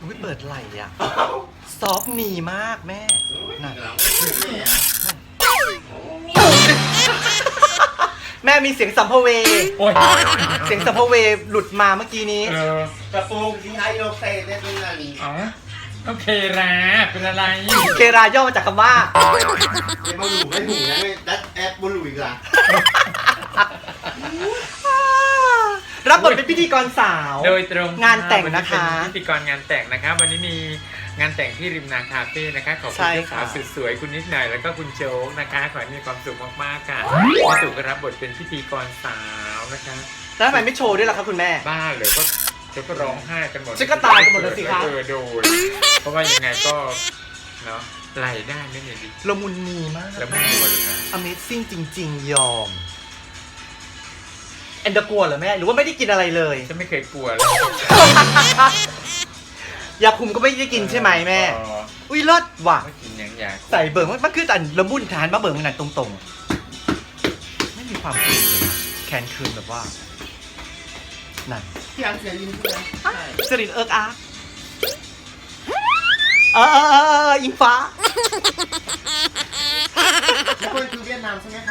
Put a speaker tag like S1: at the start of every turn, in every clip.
S1: อุ้ยเปิดไหล่อ่ะซอฟต์นีมากแม่น่ะแม่มีเสียงสัมภเว
S2: โอ้ย
S1: เสียงสัมภเวหลุดมาเมื่อกี้นี้
S3: กระโปรงที่ไทยโรเซ่ได้ตรงนั้น
S2: อ๋อโอเคราเป็นอะไร
S1: เคราย่อมาจากคำว่า
S3: ไม่มาหลูไม่หูนะไม่ดัดแอปบนหลูอีกละ
S1: รับบทเป็นพิธีกรสาว
S2: โดยตรง
S1: งานแต่งนะคะ
S2: วันนี้เป็นพิธีกรงานแต่งนะคะวันนี้มีงานแต่งที่ริมนาคาเฟ่นะคะขอบคุ
S1: ใช่
S2: ณเจ้า
S1: ค่ะ
S2: สาวสุดสวยคุณนิดหน่อยแล้วก็คุณโจ๊กนะคะขอให้มีความสุขมากๆค่ะแม่ตู่ก็รับบทเป็นพิธีกรสาวนะคะ
S1: แล้วทำไมไม่โชว์ด้วยล่ะครับคุณแม่
S2: บ้าเลยก็เดี๋ยวก็ร้องไห้กันหมด
S1: ฉันก็ตายกันหมดเลยสิคะ
S2: โดนเพราะว่ายังไงก็เนาะไหลได้ไม่เนี่ยดิ
S1: ละมุนนีมาก
S2: แล้วไม่กลัวเลยนะ
S1: Amazing จริง ๆ ยอมแอนเดอร์กลัวเหรอแม่ หรือว่าไม่ได้กินอะไรเลย
S2: ฉันไม่เคยกลัวเลย
S1: ยาคุมก็ไม่ได้กินใช่ไหมแม่
S2: อ๋อ
S1: อุ้ยเลิศว่ะ
S2: ไม่กินยังอยาก
S1: ใส่เบิ่งมันคืออันละมุนทานมาเบิ่งมันนั่นตรงๆ ไม่มีความเกลียดเลยนะแคนคืนแบบว่า นั่น
S3: พี่อันเสียยินใช่ไหมใช่
S1: สรินเอิร์กอาร์กอิงฟ้า
S3: แล้วคนคือเวียดนามใช่ไหมคะ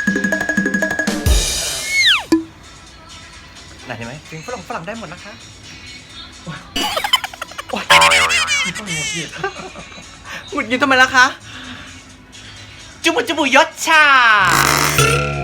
S1: ไหนเห็นไหมเพลงฝรั่งได้หมดนะคะโอ๊ย
S2: ต้องหงุดหงิด
S1: หงุดหงิดทำไมล่ะคะ จุบุยศชา